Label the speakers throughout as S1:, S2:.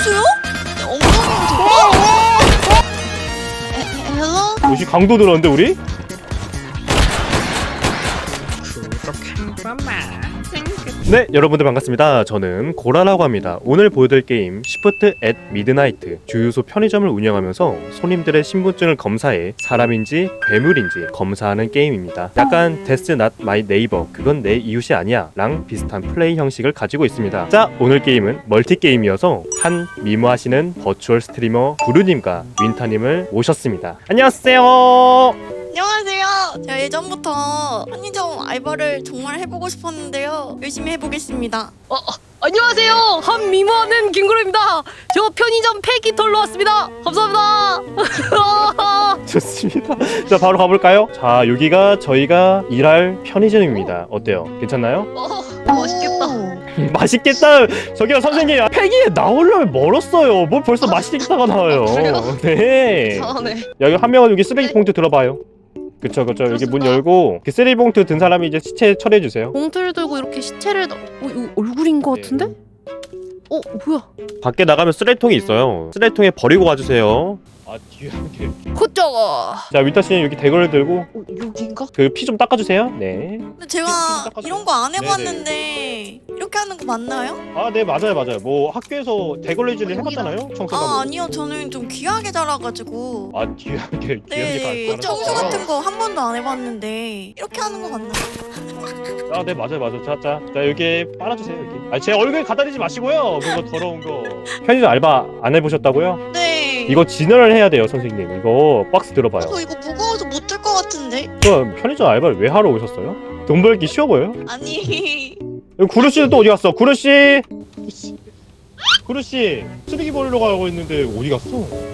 S1: 누구세요? 엉덩이부터. 헬로?
S2: 역시 강도 들었는데 우리? 네, 여러분들 반갑습니다. 저는 고라라고 합니다. 오늘 보여드릴 게임 시프트 앳 미드나이트. 주유소 편의점을 운영하면서 손님들의 신분증을 검사해 사람인지 괴물인지 검사하는 게임입니다. 약간 That's not my neighbor, 그건 내 이웃이 아니야 랑 비슷한 플레이 형식을 가지고 있습니다. 자, 오늘 게임은 멀티 게임이어서 한 미모하시는 버추얼 스트리머 부르님과 윈타님을 모셨습니다. 안녕하세요.
S1: 안녕하세요. 제가 예전부터 편의점 알바를 정말 해보고 싶었는데요. 열심히 해보겠습니다.
S3: 안녕하세요. 한 미모하는 김구루입니다. 저 편의점 폐기 털러 왔습니다. 감사합니다.
S2: 좋습니다. 자, 바로 가볼까요? 자, 여기가 저희가 일할 편의점입니다. 어때요? 괜찮나요?
S3: 맛있겠다.
S2: 맛있겠다. 저기요 선생님, 폐기에 나오려면 멀었어요. 뭘 벌써 맛있겠다가 나와요.
S3: 그래요?
S2: 네.
S3: 네.
S2: 여기 한 명은 여기 쓰레기 봉투 들어봐요. 그쵸. 여기 문 열고 그 쓰레기 봉투 든 사람이 이제 시체 처리해 주세요.
S3: 봉투를 들고 이렇게 시체를 이거 얼굴인 것 같은데? 뭐야?
S2: 밖에 나가면 쓰레기통이 있어요. 쓰레기통에 버리고 가주세요. 아, 뒤에
S3: 호쩌가.
S2: 자, 위타 씨는 여기 대걸을 들고
S3: 여긴가?
S2: 그 피 좀 닦아주세요. 네.
S1: 근데 제가 이런 거 안 해봤는데 이렇게 하는 거 맞나요?
S2: 아, 네, 맞아요. 뭐 학교에서 대걸레질을 해봤잖아요. 청소가.
S1: 아니요. 저는 좀 귀하게 자라가지고.
S2: 아, 귀하게
S1: 네, 청소 같은 거 한 번도 안 해봤는데 이렇게 하는 거 맞나요?
S2: 아, 네, 맞아요. 자, 여기 빨아주세요, 여기. 아, 제 얼굴 갖다 대지 마시고요. 그거 더러운 거. 편의점 알바 안 해보셨다고요?
S1: 네.
S2: 이거 진열을 해야 돼요, 선생님. 이거 박스 들어봐요.
S1: 저 이거 무거워서 못 들 것 같은데?
S2: 그럼 편의점 알바를 왜 하러 오셨어요? 돈 벌기 쉬워 보여요?
S1: 아니.
S2: 여기 구루 씨는 또 어디 갔어? 구루 씨! 구루 씨, 쓰레기 버리러 가고 있는데 어디 갔어?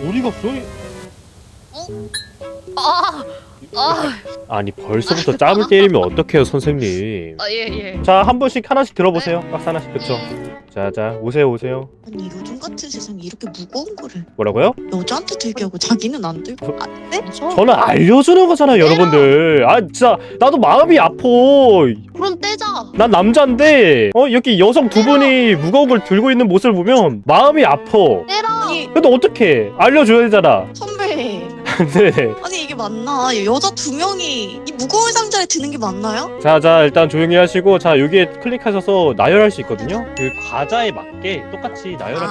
S2: 아니, 벌써부터 짬을 때리면 어떡해요, 선생님.
S3: 예.
S2: 자, 한 분씩 하나씩 들어보세요. 박스 하나씩. 그쵸? 자, 오세요.
S1: 아니 요즘 같은 세상에 이렇게 무거운 거를
S2: 뭐라고요?
S1: 여자한테 들게 하고 자기는 안 들고 안 돼?
S2: 저는 알려주는 거잖아요, 여러분들. 아, 진짜 나도 마음이 아파.
S3: 그럼 떼자.
S2: 난 남자인데 여기 여성 두 분이 무거운 걸 들고 있는 모습을 보면 마음이 아파.
S3: 떼라.
S1: 아니
S2: 근데 어떡해, 알려줘야 되잖아.
S1: 선배
S2: 네네.
S1: 아니 이게 맞나? 여자 두 명이 이 무거운 상자에 드는 게 맞나요?
S2: 자, 일단 조용히 하시고, 자, 여기에 클릭하셔서 나열할 수 있거든요. 그 과자에 맞게 똑같이 나열하면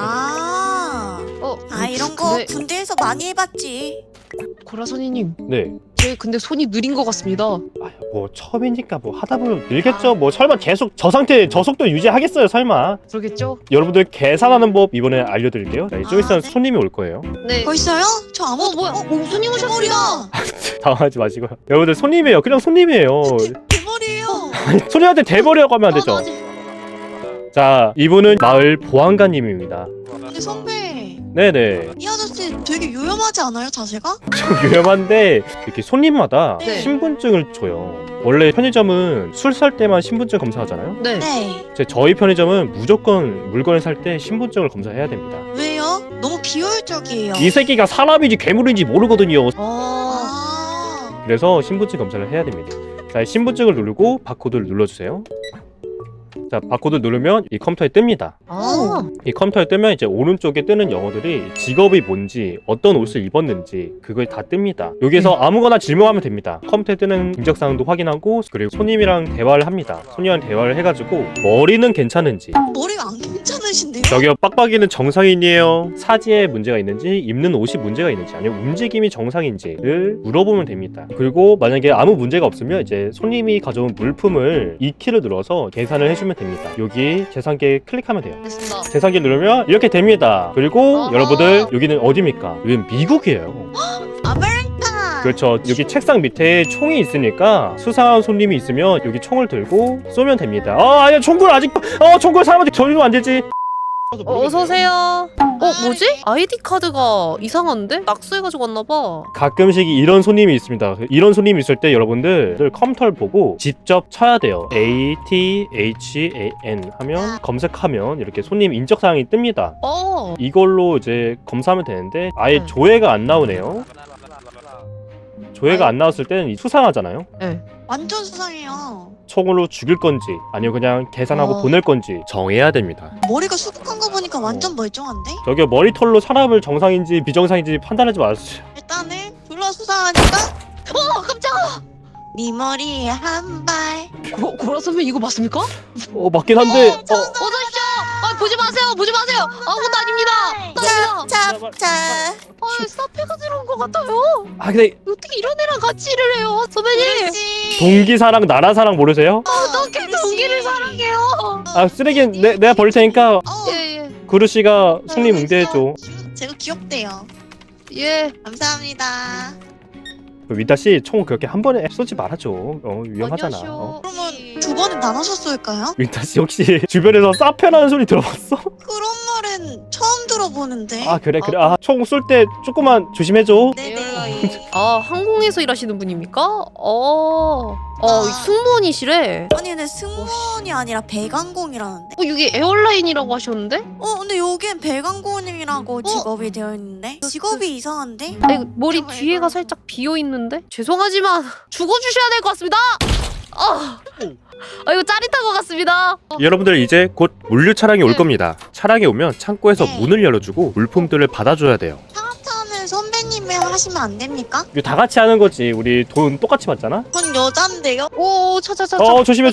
S1: 이런 거
S3: 근데
S1: 군대에서 많이 해봤지.
S3: 고라 선생님,
S2: 네.
S3: 제 근데 손이 느린 것 같습니다.
S2: 뭐 처음이니까 뭐 하다 보면 늘겠죠. 뭐 설마 계속 저 상태, 저 속도 유지하겠어요, 설마.
S3: 그러겠죠?
S2: 여러분들 계산하는 법 이번에 알려드릴게요. 자, 좀 있으면
S1: 네.
S2: 손님이 올 거예요.
S3: 네.
S1: 벌써요? 저 아무도
S3: 뭐야? 옹순이 오셨습니다.
S2: 당황하지 마시고요. 여러분들 손님이에요. 그냥 손님이에요.
S1: 대머리예요.
S2: 손님한테 대버리라고 하면 안 되죠.
S3: 나 아직-
S2: 자, 이분은 마을 보안관님입니다.
S1: 근데 선배
S2: 네네.
S1: 이 아저씨 되게 요염하지 않아요 자세가?
S2: 좀 위험한데 이렇게 손님마다
S3: 네.
S2: 신분증을 줘요. 원래 편의점은 술 살 때만 신분증 검사하잖아요.
S3: 네.
S1: 네.
S2: 저희 편의점은 무조건 물건을 살 때 신분증을 검사해야 됩니다.
S1: 왜요? 너무 비효율적이에요.
S2: 이 새끼가 사람인지 괴물인지 모르거든요.
S1: 아.
S2: 그래서 신분증 검사를 해야 됩니다. 자, 신분증을 누르고 바코드를 눌러주세요. 자, 바코드 누르면 이 컴퓨터에 뜹니다. 이 컴퓨터에 뜨면 이제 오른쪽에 뜨는 영어들이 직업이 뭔지, 어떤 옷을 입었는지 그걸 다 뜹니다. 여기서 아무거나 질문하면 됩니다. 컴퓨터에 뜨는 인적사항도 확인하고, 그리고 손님이랑 대화를 합니다. 손님이랑 대화를 해가지고 머리는 괜찮은지,
S1: 머리가 안 괜찮으신데요?
S2: 저기요 빡빡이는 정상인이에요, 사지에 문제가 있는지, 입는 옷이 문제가 있는지, 아니면 움직임이 정상인지를 물어보면 됩니다. 그리고 만약에 아무 문제가 없으면 이제 손님이 가져온 물품을 이 키를 눌러서 계산을 해주면 됩니다. 여기 계산기에 클릭하면 돼요.
S3: 됐습니다.
S2: 계산기 누르면 이렇게 됩니다. 그리고
S3: 어허.
S2: 여러분들, 여기는 어디입니까? 여기는 미국이에요.
S1: 아메리카.
S2: 그렇죠. 여기 책상 밑에 총이 있으니까 수상한 손님이 있으면 여기 총을 들고 쏘면 됩니다. 아니야, 총구를 아직 총구를 사람한테 전이면 안 되지.
S3: 어서 오세요. 뭐지? 아이디 카드가 이상한데? 낙수해가지고 왔나봐.
S2: 가끔씩 이런 손님이 있습니다. 이런 손님이 있을 때 여러분들 컴퓨터를 보고 직접 쳐야 돼요. ATHAN 하면 검색하면 이렇게 손님 인적사항이 뜹니다. 이걸로 이제 검사하면 되는데 아예 조회가 안 나오네요. 조회가 안 나왔을 때는 수상하잖아요.
S3: 네.
S1: 완전 수상해요.
S2: 총으로 죽일 건지 아니면 그냥 계산하고 보낼 건지 정해야 됩니다.
S1: 머리가 수북한 거 보니까 보니까 완전 멀쩡한데?
S2: 저기요, 머리털로 사람을 정상인지 비정상인지 판단하지 마세요.
S1: 일단은 둘러 수상하니까
S3: 깜짝아.
S1: 네 머리에 한 발.
S3: 고라 선배 이거 맞습니까?
S2: 맞긴 한데
S3: 어서 오십시오. 보지 마세요. 보지 마세요. 아무것도 아닙니다.
S1: 자.
S3: 사페가 들어온 것 같아요.
S2: 근데
S3: 어떻게 이런 애랑 같이 일을 해요, 선배님?
S1: 그렇지.
S2: 동기사랑 나라사랑 모르세요?
S3: 어떻게
S1: 그렇지.
S3: 동기를 사랑해요?
S2: 쓰레기는 내가 버릴 테니까
S3: 예.
S2: 구루씨가 손님 응대해줘.
S1: 제가 귀엽대요.
S3: 예.
S1: 감사합니다.
S2: 위다씨 총 그렇게 한 번에 쏘지 말아줘. 위험하잖아.
S3: 안녕하세요.
S1: 그러면 두 번은 나눠서 쏠까요?
S2: 위다씨 혹시 주변에서 사페라는 소리 들어봤어?
S1: 그런 말은 처음 들어보는데.
S2: 그래. 총 쏠 때 조금만 조심해줘.
S1: 네네.
S3: 항공에서 일하시는 분입니까?
S1: 아.
S3: 승무원이시래.
S1: 아니 근데 승무원이 아니라 배관공이라는데?
S3: 여기 에어라인이라고 하셨는데?
S1: 근데 여기엔 배관공이라고 직업이 되어 있는데? 직업이 이상한데?
S3: 아니, 머리 뒤에가 살짝 비어 있는데? 죄송하지만 죽어주셔야 될 것 같습니다. 이거 짜릿한 것 같습니다.
S2: 여러분들 이제 곧 물류 차량이 올
S3: 네.
S2: 겁니다. 차량이 오면 창고에서
S1: 네.
S2: 문을 열어주고 물품들을 받아줘야 돼요.
S1: 상하차는 선배님이 하시면 안 됩니까?
S2: 이거 다 같이 하는 거지. 우리 돈 똑같이 받잖아.
S1: 전 여잔데요?
S3: 오, 차차차.
S2: 조심해.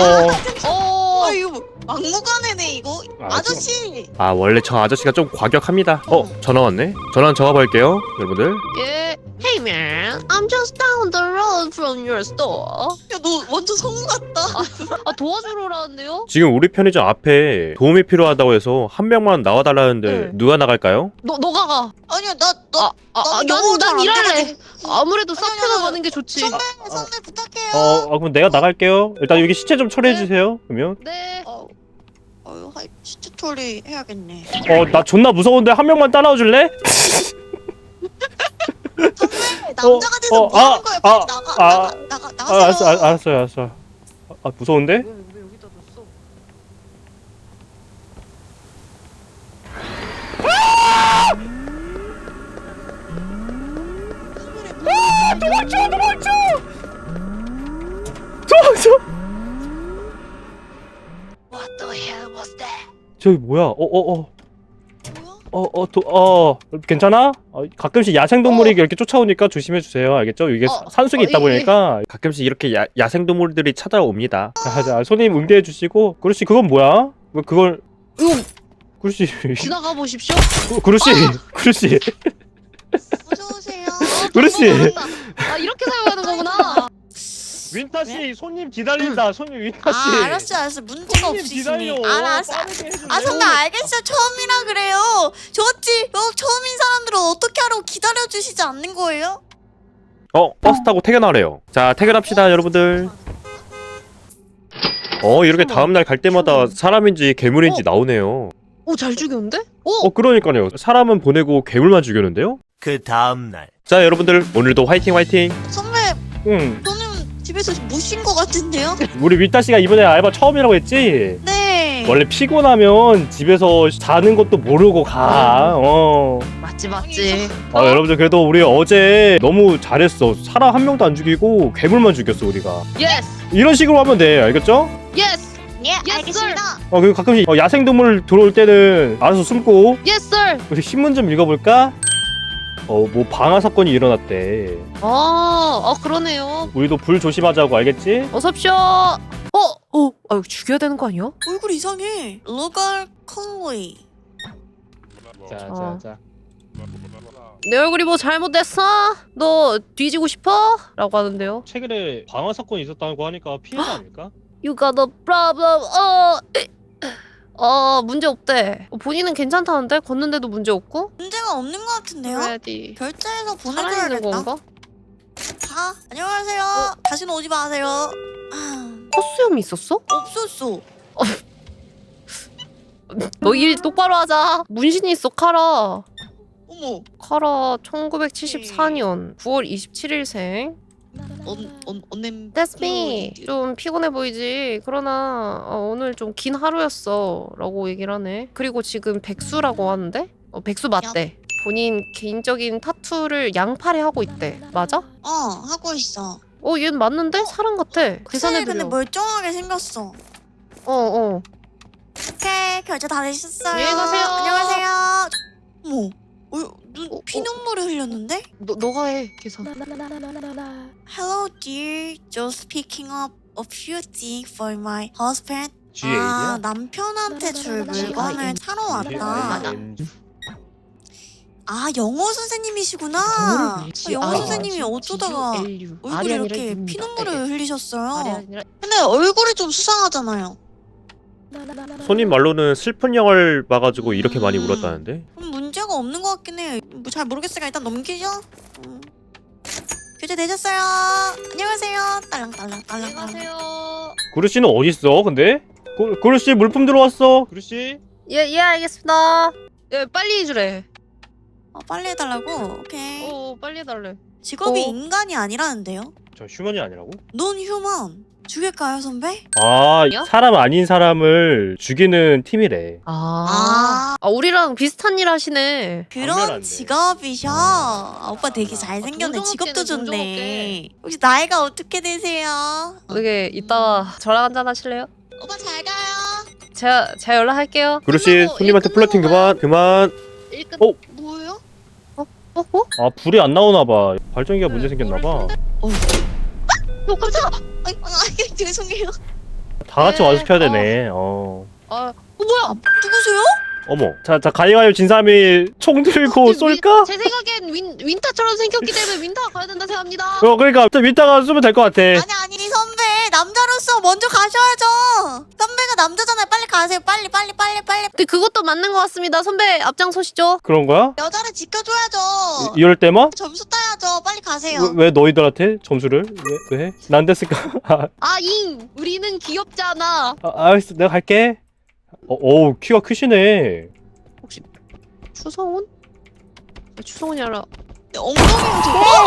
S1: 이거 막무가내네 이거. 아저씨.
S2: 원래 저 아저씨가 좀 과격합니다. 전화 왔네. 전화 잡아볼게요, 여러분들.
S3: 예. Hey man, I'm just down the road from your store.
S1: 야 너 완전 성우 같다.
S3: 도와주러 오라는데요?
S2: 지금 우리 편의점 앞에 도움이 필요하다고 해서 한 명만 나와달라는데
S3: 네.
S2: 누가 나갈까요?
S3: 너가 가.
S1: 아니야 너
S3: 난
S1: 잘안
S3: 일할래.
S1: 돼가지고.
S3: 아무래도
S1: 아니,
S3: 사페가
S1: 아니,
S3: 가는 게 좋지.
S1: 선배 부탁해요.
S2: 그럼 내가 나갈게요. 일단 여기 시체 좀 처리해주세요. 그러면.
S3: 네.
S1: 시체 처리 해야겠네.
S2: 나 존나 무서운데 한 명만 따라와 줄래?
S1: 선배 남자가 돼서 뭐 하는 거야? 빨리 나가세요.
S2: 알았어요. 무서운데?
S3: 왜 여기다 뒀어?
S2: 도망쳐!
S3: What the hell was that?
S2: 저기 뭐야?
S1: 뭐야?
S2: 괜찮아? 가끔씩 야생동물이 이렇게 쫓아오니까 조심해주세요. 알겠죠? 이게 산속에 있다
S3: 예.
S2: 보니까 가끔씩 이렇게 야생동물들이 찾아옵니다. 자, 손님 응대해주시고. 그렇지, 그건 뭐야? 그걸.
S3: 이거
S2: 그렇지.
S3: 지나가 보십시오.
S2: 그렇지. 그렇지.
S1: 어서오세요.
S2: 그렇지.
S3: 이렇게 사용하는 거구나.
S2: 윈타씨, 손님 기다린다. 손님 윈타씨.
S1: 알았어. 문제가
S2: 손님
S1: 없으시네.
S2: 기다려.
S1: 알았어.
S2: 빠르게 해줄래요?
S1: 선배 알겠어. 처음이라 그래요. 좋지. 처음인 사람들은 어떻게 하라고 기다려주시지 않는 거예요?
S2: 버스 타고 퇴근하래요. 자, 퇴근합시다, 여러분들. 이렇게 다음날 갈 때마다 사람인지 괴물인지 나오네요.
S3: 잘 죽였는데?
S2: 그러니까요. 사람은 보내고 괴물만 죽였는데요?
S4: 그 다음날
S2: 자, 여러분들 오늘도 화이팅!
S1: 선배
S2: 응.
S1: 저는 집에서 못 쉰 것 같은데요?
S2: 우리 위따씨가 이번에 알바 처음이라고 했지?
S1: 네.
S2: 원래 피곤하면 집에서 자는 것도 모르고 가.
S3: 맞지.
S2: 여러분들 그래도 우리 어제 너무 잘했어. 사람 한 명도 안 죽이고 괴물만 죽였어, 우리가.
S3: 예스.
S2: 이런 식으로 하면 돼. 알겠죠?
S3: 예스.
S1: 예,
S3: Yes,
S1: 알겠습니다.
S2: 그리고 가끔씩 야생동물 들어올 때는 알아서 숨고.
S3: 예스 sir.
S2: 우리 신문 좀 읽어볼까? 뭐 방화 사건이 일어났대.
S3: 그러네요.
S2: 우리도 불 조심하자고, 알겠지?
S3: 어섭쇼. 이거 죽여야 되는 거 아니야?
S1: 얼굴 이상해. 로갈 컬리.
S2: 자.
S3: 내 얼굴이 뭐 잘못됐어? 너 뒤지고 싶어? 라고 하는데요.
S2: 최근에 방화 사건이 있었다고 하니까 피해자 아닐까?
S3: You got a problem. 문제 없대. 본인은 괜찮다는데 걷는데도 문제 없고?
S1: 문제가 없는 것 같은데요?
S3: 그래야지.
S1: 결제해서
S3: 살아있는
S1: 보내줘야겠다.
S3: 건가?
S1: 안녕하세요. 다시는 오지 마세요.
S3: 콧수염이 있었어?
S1: 없었어.
S3: 너 일 똑바로 하자. 문신이 있어 카라.
S1: 어머.
S3: 카라 1974년 9월 27일생.
S1: 언냄.
S3: That's me. 좀 피곤해 보이지. 그러나 오늘 좀 긴 하루였어 라고 얘기를 하네. 그리고 지금 백수라고 하는데? 백수 맞대. 본인 개인적인 타투를 양팔에 하고 있대. 맞아?
S1: 하고 있어.
S3: 얘는 맞는데? 사람 같아.
S1: 확실히 근데
S3: 계산해드려.
S1: 멀쩡하게 생겼어. 오케이 결제 다 되셨어요.
S3: 안녕히 가세요.
S1: 안녕하세요. 어머, 눈 피눈물을 흘렸는데?
S3: 너가 해 계산.
S1: Hello dear, just picking up a few things for my husband.
S2: GAD야?
S1: 남편한테 줄 물건을 사러 왔다.
S2: GAD야?
S1: 아 영어 선생님이시구나. 영어 선생님이 어쩌다가 얼굴에 이렇게 피눈물을 흘리셨어요. 근데 얼굴이 좀 수상하잖아요.
S2: 손님 말로는 슬픈 영화를 봐가지고 이렇게 많이 울었다는데?
S1: 문제가 없는 것 같긴 해. 뭐 잘 모르겠으니까 일단 넘기죠. 교체 되셨어요. 안녕하세요. 딸랑딸랑 딸랑.
S3: 안녕하세요.
S2: 구루씨는 어딨어 근데? 구루씨 물품 들어왔어. 구루씨?
S3: 예 알겠습니다. 예 빨리 해주래.
S1: 빨리 해달라고? 오케이.
S3: 빨리 해달래.
S1: 직업이 인간이 아니라는데요?
S2: 저 휴먼이 아니라고?
S1: 넌 휴먼. 죽일까요 선배?
S2: 아
S3: 야?
S2: 사람 아닌 사람을 죽이는 팀이래.
S3: 우리랑 비슷한 일 하시네.
S1: 그런
S2: 당연한데.
S1: 직업이셔. 오빠 되게 잘생겼네.
S3: 동정업계네,
S1: 직업도 좋네.
S3: 동정업계.
S1: 혹시 나이가 어떻게 되세요?
S3: 되게 이따가 저랑 한잔 하실래요?
S1: 오빠 잘 가요.
S3: 제가 연락할게요.
S2: 구루씨
S1: 끝나고,
S2: 손님한테
S1: 일
S2: 플러팅
S1: 끝나고
S2: 그만.
S3: 일 끝.
S2: 어?
S1: 뭐예요?
S2: 아 불이 안 나오나봐. 발전기가 문제 생겼나봐.
S3: 깜짝아.
S1: 아이 죄송해요.
S2: 다 같이
S3: 네,
S2: 와서 켜야 되네.
S3: 뭐야?
S1: 누구세요?
S2: 어머. 자 가위가위 진 사람이 총 들고 쏠까?
S3: 제 생각엔 윈타처럼 생겼기 때문에 윈타가 가야 된다 생각합니다.
S2: 그러니까 윈타가 쏘면 될 것 같아.
S1: 아니 선배 남자로서 먼저 가셔야죠. 선배가 남자잖아요. 빨리 가세요. 빨리.
S3: 근데 그것도 맞는 것 같습니다. 선배 앞장서시죠.
S2: 그런 거야?
S1: 여자를 지켜줘야죠.
S2: 이럴 때만?
S1: 점수 따야죠. 빨리 가세요.
S2: 왜 너희들한테 점수를? 왜 해? 난 됐을까?
S3: 우리는 귀엽잖아.
S2: 알았어 내가 갈게. 어우 키가 크시네.
S3: 추성훈? 추성훈이 아니라
S1: 엉덩이를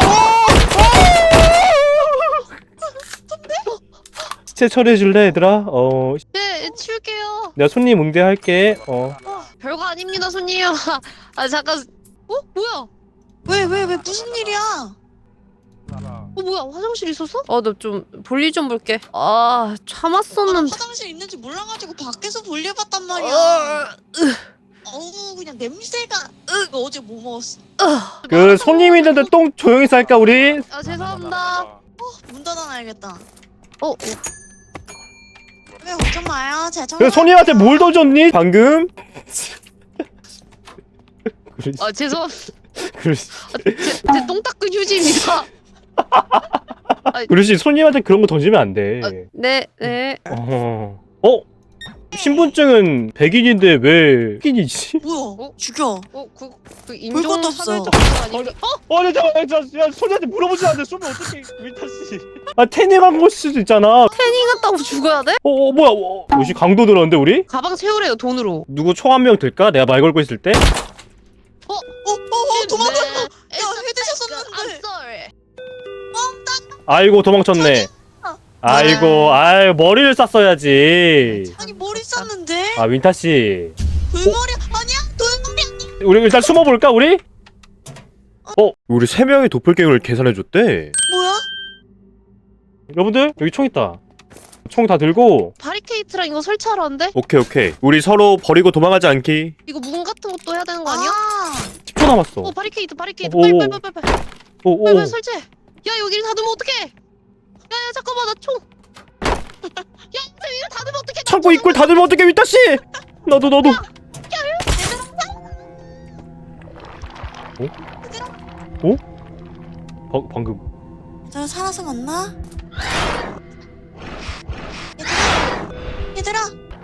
S2: 시체 처리해줄래 얘들아?
S3: 네 치울게요.
S2: 내가 손님 응대할게.
S3: 별거 아닙니다 손님. 잠깐. 뭐야?
S1: 왜 무슨 일이야?
S3: 뭐야 화장실 있었어? 나 좀 볼일 좀 볼게. 참았었는데.
S1: 화장실 있는지 몰라가지고 밖에서 볼일봤단 말이야. 어우 그냥 냄새가. 너 어제 뭐 먹었어?
S2: 그 손님 있는데 똥 조용히 쌀까 우리?
S3: 죄송합니다.
S1: 문 닫아놔야겠다.
S3: 어.
S1: 왜 걱정 마요. 제가
S2: 그 손님한테 뭘 더 줬니? 방금?
S3: 죄송합니다.
S2: 그러시
S3: 제 똥 닦은 휴지입니다.
S2: 그러시 손님한테 그런 거 던지면 안 돼.
S3: 네.
S2: 신분증은 백인인데 왜 흑인이지?
S1: 뭐야? 죽여.
S3: 그
S1: 것도 없어.
S3: 인종차별적 아니에요?
S2: 야 손님한테 물어보지 않는데 쏘면 어떡해 윈타씨. 태닝한 걸 수도 있잖아.
S3: 태닝 했다고 죽어야 돼?
S2: 뭐야 혹시 강도 들었는데 우리?
S3: 가방 채우래요 돈으로.
S2: 누구 총 한 명 들까? 내가 말 걸고 있을 때?
S1: 도망갔어.
S3: 야
S1: 해드셨었는데.
S2: 아이고 도망쳤네. 아이고 머리를 쌌어야지.
S1: 아니 머리 쌌는데?
S2: 윈타씨
S1: 돌머리 아니야? 돌머리 아니야?
S2: 우리 일단 숨어볼까 우리? 우리 3명이 도플갱어를 계산해줬대.
S1: 뭐야?
S2: 여러분들 여기 총 있다. 총 다 들고.
S3: 바리케이트랑 이거 설치하러 왔는데?
S2: 오케이 우리 서로 버리고 도망가지 않기.
S3: 이거 문 같은 것도 해야 되는 거 아니야?
S2: 10초 남았어.
S3: 바리케이트
S2: 오.
S3: 빨리 설치해. 야 여기를 닫으면 어떡해? 야 잠깐만 나 총. 야 이거 닫으면 어떡해?
S2: 창고 입구를 닫으면 어떡해 윈타씨. 나도 방금
S1: 너 살아서 만나? 얘들아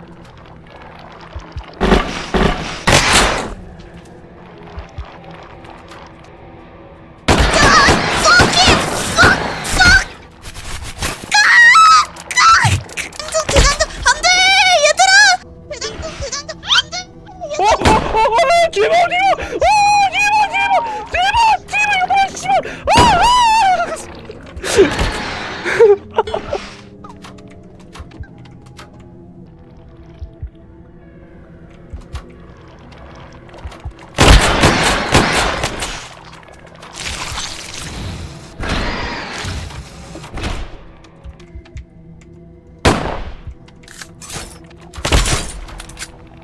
S2: 뒤로 이거 씨발.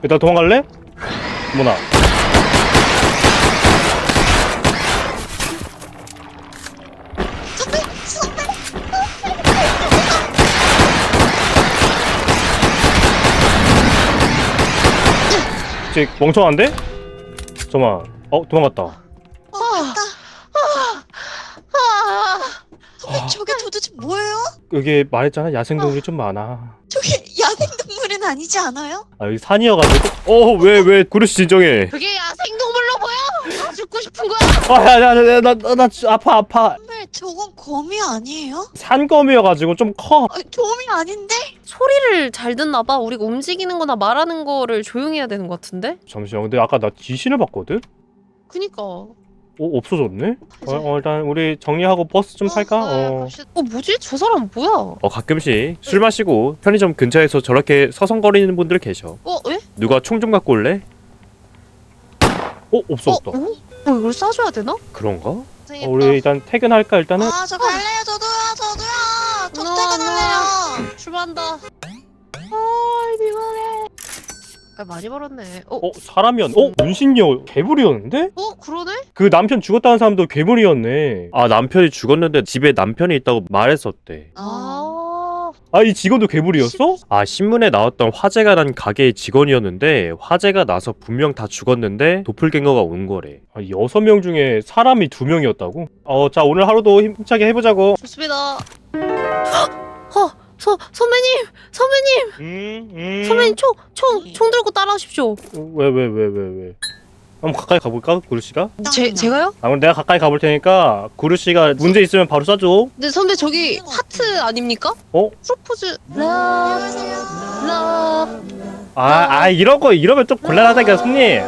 S2: 일단 도망갈래? 뭐나. 쟤 멍청한데? 잠깐만. 도망갔다.
S1: 맞다. 선배 저게 도대체 뭐예요?
S2: 여기 말했잖아, 야생동물이 좀 많아.
S1: 저게 야생동물은 아니지 않아요?
S2: 아, 여기 산이어가지고. 왜 구르씨 진정해.
S3: 그게 야생동물로 보여? 다 죽고 싶은 거야?
S2: 나 아파.
S1: 선배 저건 거미 아니에요?
S2: 산거미여가지고 좀 커.
S1: 거미 아닌데?
S3: 소리를 잘 듣나 봐. 우리가 움직이는 거나 말하는 거를 조용히 해야 되는 것 같은데?
S2: 잠시만, 근데 아까 나 귀신을 봤거든?
S3: 그니까.
S2: 없어졌네? 일단 우리 정리하고 버스 좀 탈까?
S3: 뭐지? 저 사람 뭐야?
S2: 가끔씩 술 마시고 편의점 근처에서 저렇게 서성거리는 분들 계셔.
S3: 왜?
S2: 누가 총 좀 갖고 올래? 없어졌다.
S3: 이걸 싸줘야 되나?
S2: 그런가? 우리 일단 퇴근할까 일단은?
S1: 저 갈래요. 저도요. 저 퇴근할래요.
S3: 출발한다. 피곤해. 많이 벌었네.
S2: 사람이었네. 문신녀 괴물이었는데?
S3: 그러네?
S2: 그 남편 죽었다는 사람도 괴물이었네. 남편이 죽었는데 집에 남편이 있다고 말했었대. 이 직원도 괴물이었어? 신문에 나왔던 화재가 난 가게의 직원이었는데 화재가 나서 분명 다 죽었는데 도플갱어가 온 거래. 6명 중에 사람이 2명이었다고? 자, 오늘 하루도 힘차게 해보자고.
S3: 좋습니다. 선배님! 선배님 총 들고 따라오십시오.
S2: 왜? 한번 가까이 가볼까? 구루씨가?
S3: 제가요?
S2: 그럼 내가 가까이 가볼 테니까 구루씨가 문제 있으면 바로 쏴줘.
S3: 근데 선배 저기 하트 아닙니까? 프로포즈 러브
S2: 이러면 좀 곤란하다니까 손님.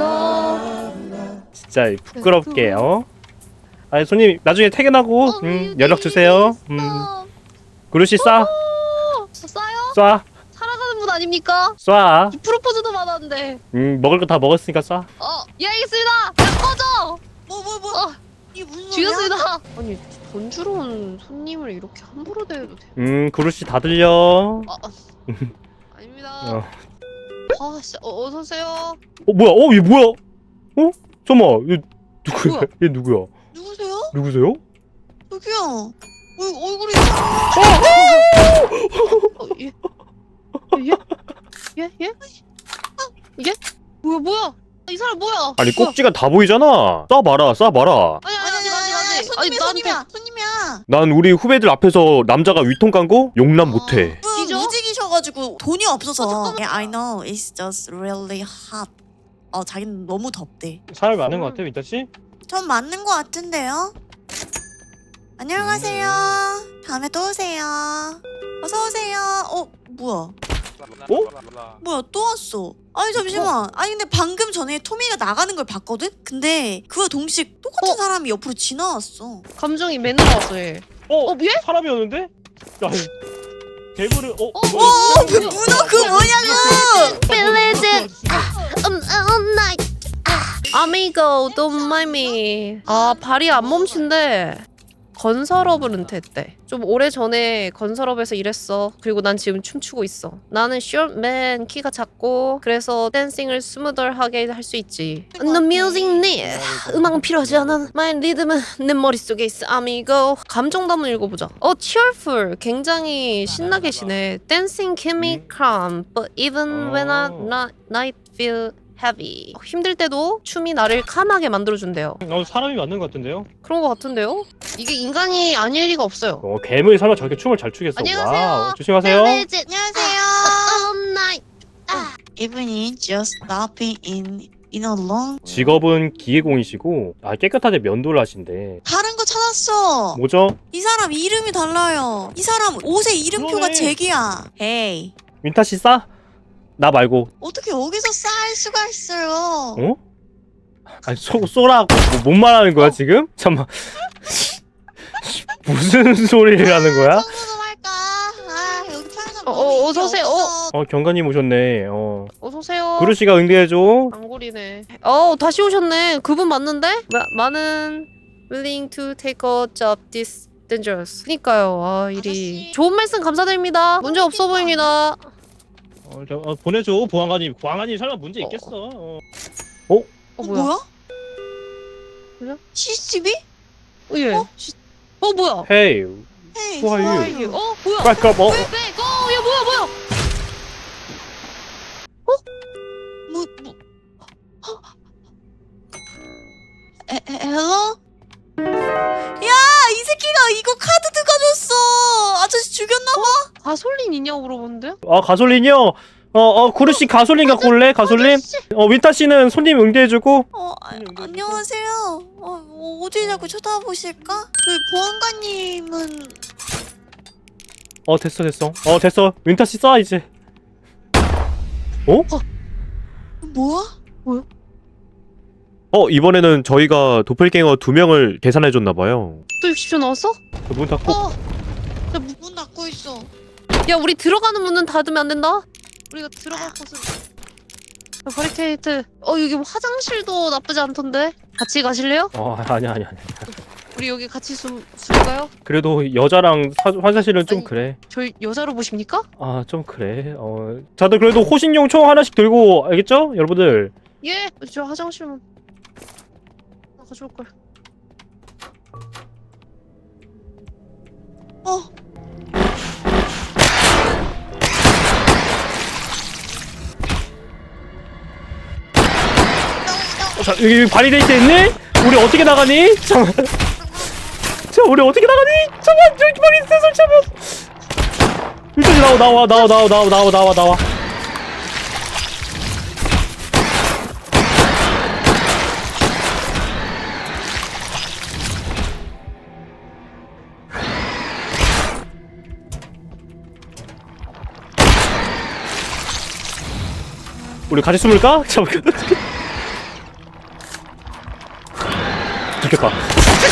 S2: 진짜 부끄럽게. 손님 나중에 퇴근하고 연락 주세요. 구루씨 쏴.
S3: 쏴요? 살아가는 분 아닙니까?
S2: 쏴.
S3: 프로포즈도 받았는데.
S2: 먹을 거 다 먹었으니까 쏴.
S3: 예 알겠습니다. 야, 꺼져.
S1: 이게 무슨 소리야?
S3: 죽였습니다. 아니 돈 주러 온 손님을 이렇게 함부로 대해도 돼?
S2: 구루씨 다 들려.
S3: 아닙니다. 진짜 어서 오세요.
S2: 뭐야? 얘 뭐야? 잠깐만, 얘 누구야?
S3: 뭐야?
S2: 얘 누구야? 누구세요?
S1: 저기요. 얼굴이
S3: 예? 이게? 뭐야? 이 사람 뭐야?
S2: 아니 꼭지가 다 보이잖아. 쏴봐라.
S3: 아니
S1: 손님이야.
S2: 난 우리 후배들 앞에서 남자가 위통 깐 거 용납 못해.
S1: 무직이셔가지고 돈이 없어서. I know it's just really hot. 자기는 너무 덥대.
S2: 사람이 많은 것 같아, 민타 씨?
S1: 전 맞는 것 같은데요. 안녕하세요. 다음에 또 오세요. 어서 오세요. 뭐야? 뭐야 또 왔어? 아니 잠시만. 근데 방금 전에 토미가 나가는 걸 봤거든? 근데 그와 동시에 똑같은 사람이 옆으로 지나왔어.
S3: 감정이 맨날 왔어 얘. 얘?
S2: 사람이었는데? 야, 괴물을
S1: 문어 그 뭐냐고!
S3: Believe it. Night. Amigo, don't mind me. 발이 안 멈춘대. 건설업을 은퇴했대. 좀 오래전에 건설업에서 일했어. 그리고 난 지금 춤추고 있어. 나는 shortman, 키가 작고 그래서 댄싱을 스무덜하게 할 수 있지. The music need. 음악은 필요하지 않아. My rhythm은 내 머릿속에 있어. Amigo. 감정도 한번 읽어보자. cheerful. 굉장히 신나 계시네. Dancing keep me calm. But even when I feel heavy. 힘들 때도 춤이 나를 캄하게 만들어준대요.
S2: 사람이 맞는 것 같은데요?
S3: 그런 것 같은데요? 이게 인간이 아닐 리가 없어요.
S2: 괴물이 설마 저렇게 춤을 잘 추겠어?
S3: 안녕하세요.
S2: 와우, 조심하세요.
S1: 안녕하세요.
S3: night.
S1: Evening just stopping in a long.
S2: 직업은 기계공이시고 깨끗하게 면도를 하신대.
S1: 다른 거 찾았어.
S2: 뭐죠?
S1: 이 사람 이름이 달라요. 이 사람 옷의 이름표가
S2: 그러네.
S1: 잭이야. 에이.
S2: 민타 씨 싸? 나 말고.
S1: 어떻게 여기서 쌓일 수가 있어요?
S2: 아니 쏘라고 뭔 말하는 거야 지금? 잠만. 무슨 소리를 하는 거야?
S1: 청소 할까? 여기 편의점
S3: 어서 오세요.
S2: 경관님 오셨네.
S3: 어서 오세요.
S2: 구루씨가 응대해줘.
S3: 안골이네. 다시 오셨네. 그분 맞는데? 많은 willing to take a job this dangerous. 그니까요. 일이
S1: 아저씨.
S3: 좋은 말씀 감사드립니다. 문제 없어 보입니다.
S2: 보내줘 보안관님. 보안관님 설마 문제 있겠어.
S3: 뭐야?
S1: 뭐야? CCTV?
S3: 예. 뭐야?
S2: Hey,
S1: 헤이.
S2: who are you?
S3: 이게 뭐야?
S2: Back up.
S3: 야 뭐야?
S1: 뭐? 헬로? 야, 이 새끼가 이거 카드 가져왔어. 아저씨 죽였나봐.
S3: 가솔린 있냐고 물어보는데요?
S2: 가솔린이요. 구르씨 가솔린 갖고 올래? 가솔린? 윈타 씨는 손님 응대해주고.
S1: 안녕하세요. 어디 자꾸 쳐다보실까? 저희 보안관님은
S2: 됐어. 됐어. 윈타 씨 쏴 이제.
S1: 뭐야?
S2: 이번에는 저희가 도플갱어 2명을 계산해줬나봐요.
S3: 또 60초 나왔어?
S2: 문 닫고.
S1: 문 닫고 있어.
S3: 야 우리 들어가는 문은 닫으면 안 된다. 우리가 들어갈 곳은 바리케이트. 여기 뭐 화장실도 나쁘지 않던데. 같이 가실래요?
S2: 아니야.
S3: 우리 여기 같이 숨을까요?
S2: 그래도 여자랑 화장실은 좀
S3: 아니.
S2: 그래.
S3: 저희 여자로 보십니까?
S2: 좀 그래. 다들 그래도 호신용 총 하나씩 들고, 알겠죠? 여러분들.
S3: 예. 저 화장실은 가져올 걸.
S2: 자, 여기 바리데이트 있니? 우리 어떻게 나가니? 잠깐만. 자, 우리 어떻게 나가니? 잠깐만, 저기 바리데이트 설치하면. 일단 나와. 우리 같이 숨을까? 잠깐. 죽겠다.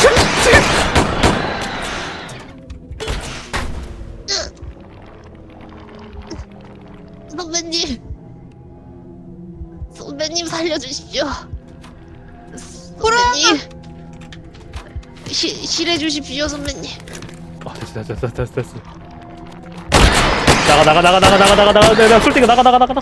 S3: 선배님 살려주십시오. 선배님 실해 주십시오 선배님.
S2: 됐어. 나가. 내가 쏠 때가 나가.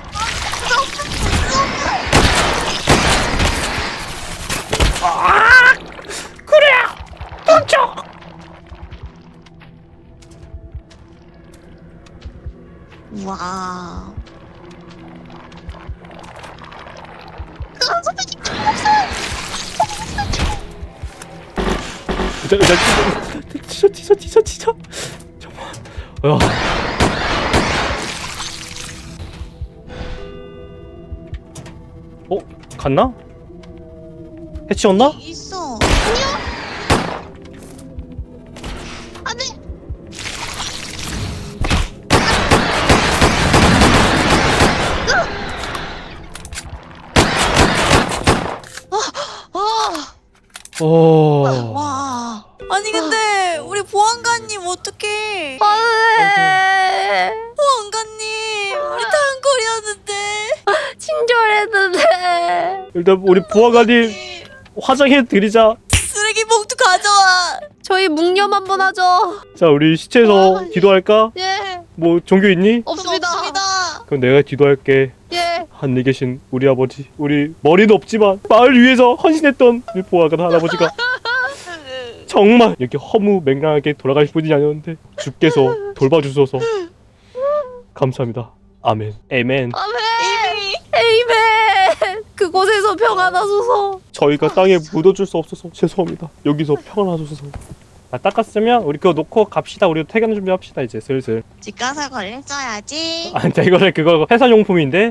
S1: 와.
S2: 티셔. 잠깐만. 갔나? 해치웠나?
S1: 있어.
S3: 안돼.
S1: 와. 아니 근데 우리 보안관님 어떡해?
S3: 안돼.
S1: 보안관님 우리 단골이었는데.
S3: 친절했는데.
S2: 일단 우리 부하관님 화장해 드리자.
S1: 쓰레기 봉투 가져와.
S3: 저희 묵념 한번 하죠.
S2: 자, 우리 시체에서 기도할까?
S3: 예.
S2: 뭐 종교 있니?
S3: 없습니다.
S2: 그럼 내가 기도할게.
S3: 예.
S2: 하늘에 계신 우리 아버지, 우리 머리는 없지만 마을 위해서 헌신했던 우리 보아관 할아버지가 정말 이렇게 허무맹랑하게 돌아가실 분이 아니었는데 주께서 돌봐주셔서 감사합니다. 아멘. 에멘.
S3: 에이맨. 그곳에서 평안하소서.
S2: 저희가 땅에 묻어줄 수 없어서 죄송합니다. 여기서 평안하소서. 닦았으면 우리 그거 놓고 갑시다. 우리 퇴근 준비합시다 이제 슬슬.
S1: 집 가서 걸려줘야지.
S2: 근데 이거는 그거 회사용품인데.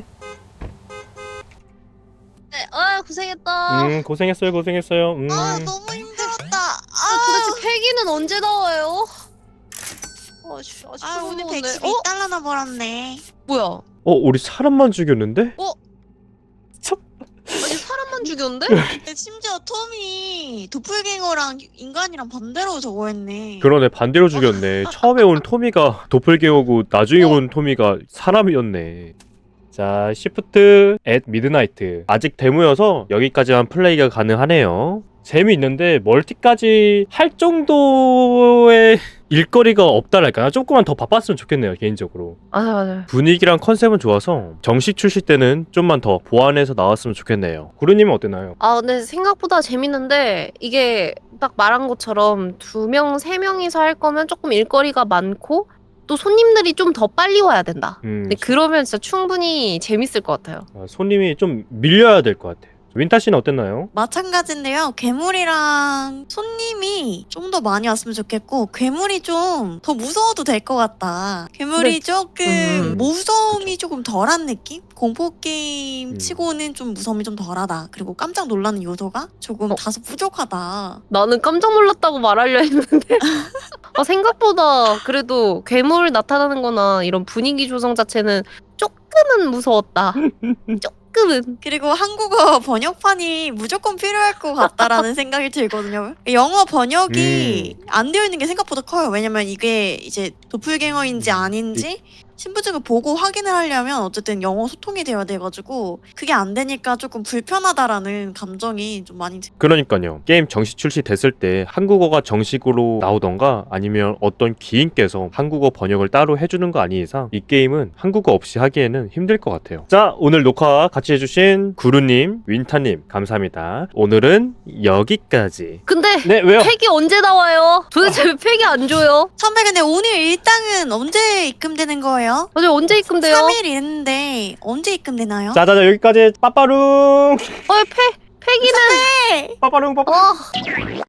S3: 네. 고생했다.
S2: 고생했어요.
S1: 너무 힘들었다.
S3: 도대체 폐기는 언제 나와요? 아직
S1: 오늘
S3: 모르겠네.
S1: 112달러나 벌었네.
S3: 뭐야?
S2: 우리 사람만 죽였는데?
S3: 아니 사람만 죽였는데?
S1: 심지어 톰이 도플갱어랑 인간이랑 반대로 저거 했네.
S2: 그러네, 반대로 죽였네. 처음에 온 토미가 도플갱어고 나중에 온 토미가 사람이었네. 자, 시프트 앳 미드나이트. 아직 데모여서 여기까지만 플레이가 가능하네요. 재미있는데 멀티까지 할 정도의 일거리가 없다랄까. 조금만 더 바빴으면 좋겠네요, 개인적으로.
S3: 맞아요.
S2: 분위기랑 컨셉은 좋아서 정식 출시 때는 좀만 더 보완해서 나왔으면 좋겠네요. 구루님은 어땠나요?
S3: 아, 근데 생각보다 재밌는데 이게 딱 말한 것처럼 2명, 3명이서 할 거면 조금 일거리가 많고 또 손님들이 좀 더 빨리 와야 된다. 근데 그러면 진짜 충분히 재밌을 것 같아요.
S2: 손님이 좀 밀려야 될 것 같아요. 윈타 씨는 어땠나요?
S1: 마찬가지인데요. 괴물이랑 손님이 좀 더 많이 왔으면 좋겠고 괴물이 좀 더 무서워도 될 것 같다. 괴물이
S3: 근데-
S1: 조금 무서움이
S2: 그쵸.
S1: 조금 덜한 느낌? 공포 게임 치고는 좀 무서움이 좀 덜하다. 그리고 깜짝 놀라는 요소가 조금 다소 부족하다.
S3: 나는 깜짝 놀랐다고 말하려 했는데 생각보다 그래도 괴물 나타나는 거나 이런 분위기 조성 자체는 조금은 무서웠다. 조금은.
S1: 그리고 한국어 번역판이 무조건 필요할 것 같다라는 생각이 들거든요. 영어 번역이 안 되어 있는 게 생각보다 커요. 왜냐면 이게 이제 도플갱어인지 아닌지 신분증을 보고 확인을 하려면 어쨌든 영어 소통이 되어야 돼가지고 그게 안 되니까 조금 불편하다라는 감정이 좀 많이 들어요.
S2: 그러니까요. 게임 정식 출시됐을 때 한국어가 정식으로 나오던가 아니면 어떤 기인께서 한국어 번역을 따로 해주는 거 아닌 이상 이 게임은 한국어 없이 하기에는 힘들 것 같아요. 자, 오늘 녹화 같이 해주신 구루님, 윈타님 감사합니다. 오늘은 여기까지.
S3: 근데
S2: 네, 왜요?
S3: 팩이 언제 나와요? 도대체 왜 팩이 안 줘요?
S1: 선배 근데 오늘 일당은 언제 입금되는 거예요?
S3: 아니 언제 입금돼요?
S1: 3일 있는데 언제 입금되나요?
S2: 자자자 여기까지 빠빠룽
S3: 팩이는
S2: 빠빠룽 빠빠룽.